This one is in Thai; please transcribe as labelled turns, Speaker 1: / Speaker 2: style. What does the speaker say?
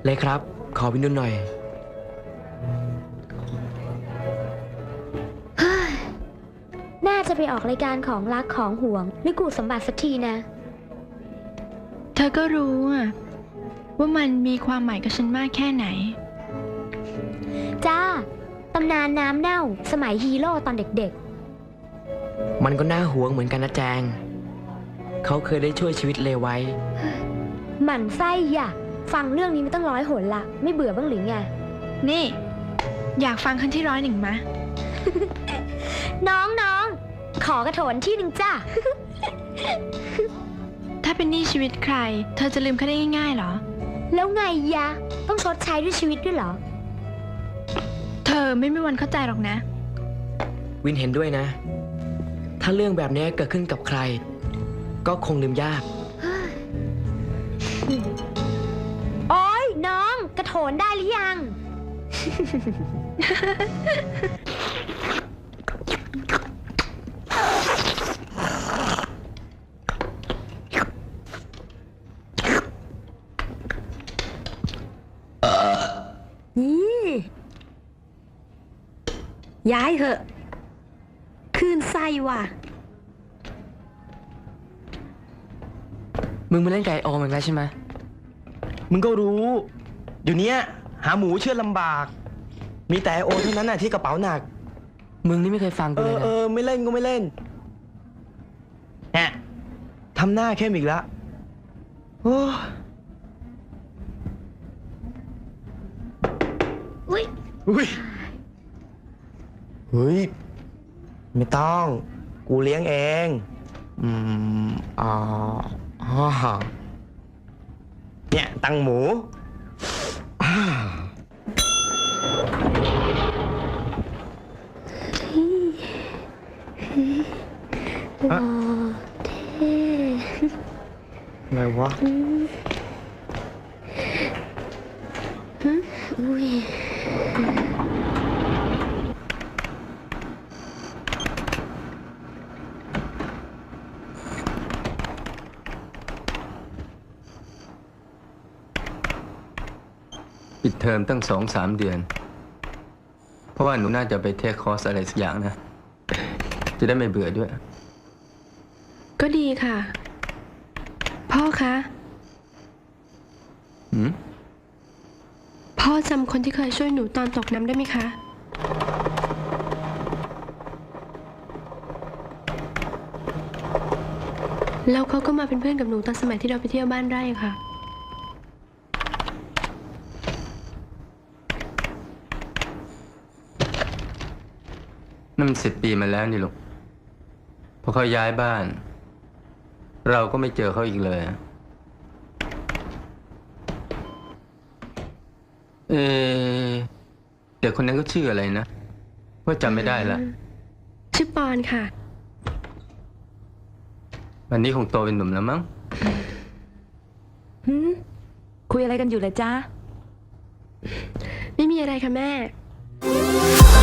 Speaker 1: เลยครับ ขอวินดูหน่อย
Speaker 2: น่าจะไปออกรายการของรักของห่วงไม่กูสมบัติสักทีนะ
Speaker 3: เธอก็รู้ว่ามันมีความหมายกับฉันมากแค่ไหน
Speaker 2: จ้า ตำนานน้ำเน่าสมัยฮีโร่ตอนเด็ก
Speaker 1: มันก็น่าหวงเหมือนกันนะแจง เขาเคยได้ช่วยชีวิตเลไว้
Speaker 2: ๆหมั่นไส้อย่ะฟังเรื่องนี้มาตั้ง100 หนละไม่เบื่อบ้างหรือไง
Speaker 3: นี่ อยากฟังครั้งที่101มะ
Speaker 2: น้องขอกระโถนที่หนึ่งจ้า
Speaker 3: ถ้าเป็นหนี้ชีวิตใคร เธอจะลืมเขาได้ง่ายๆเหรอ
Speaker 2: แล้วไงยะต้องชดใช้ด้วยชีวิตด้วยเหรอ
Speaker 3: เธอไม่มีวันเข้าใจหรอกนะ
Speaker 1: วินเห็นด้วยนะ ถ้าเรื่องแบบนี้เกิดขึ้นกับใคร ก็คงลืมยาก
Speaker 2: โอ๊ยน้องกระโถนได้หรือยัง
Speaker 4: ย้ายเหอะคืนไส้ว่ะ
Speaker 1: มึงมาเล่นไก่โอมันแล้วใช่ไหม
Speaker 5: มึงก็รู้ เดี๋ยวนี้หาหมูเชื่อลำบาก มีแต่โอเท่านั้นน่ะที่กระเป๋าหนัก
Speaker 1: มึงนี่ไม่เคยฟังกูเลยนะ
Speaker 5: ไม่เล่นก็ไม่เล่นแหะทำหน้าเข้มอีกแล้วโอ้
Speaker 2: อุ้ย
Speaker 5: อุ้ยเฮ้ย ไม่ต้อง กูเลี้ยงเอง
Speaker 1: อืมอ๋ออ๋อ
Speaker 5: เนี่ย ตังหมู
Speaker 2: หล่อเท่
Speaker 5: อะไรวะ
Speaker 2: อุ้ย
Speaker 6: ปิดเทอมตั้ง2-3 เดือน เพราะว่าหนูน่าจะไปเทคคอร์สอะไรสักอย่างนะ จะได้ไม่เบื่อด้วย
Speaker 3: ก็ดีค่ะ พ่อคะ
Speaker 6: หืม
Speaker 3: พ่อจำคนที่เคยช่วยหนูตอนตกน้ำได้ไหมคะ แล้วเขาก็มาเป็นเพื่อนกับหนูตอนสมัยที่เราไปเที่ยวบ้านไร่ค่ะ
Speaker 6: นั่นมัน10 ปีมาแล้วนี่ลูกพอเขาย้ายบ้าน เราก็ไม่เจอเขาอีกเลย เออเด็กคนนั้นก็ชื่ออะไรนะว่าจำไม่ได้ละ
Speaker 3: ชื่อปอนค่ะ
Speaker 6: วันนี้คงโตเป็นหนุ่มแล้วมั้ง
Speaker 4: คุยอะไรกันอยู่เลยจ้า
Speaker 3: ไม่มีอะไรค่ะแม่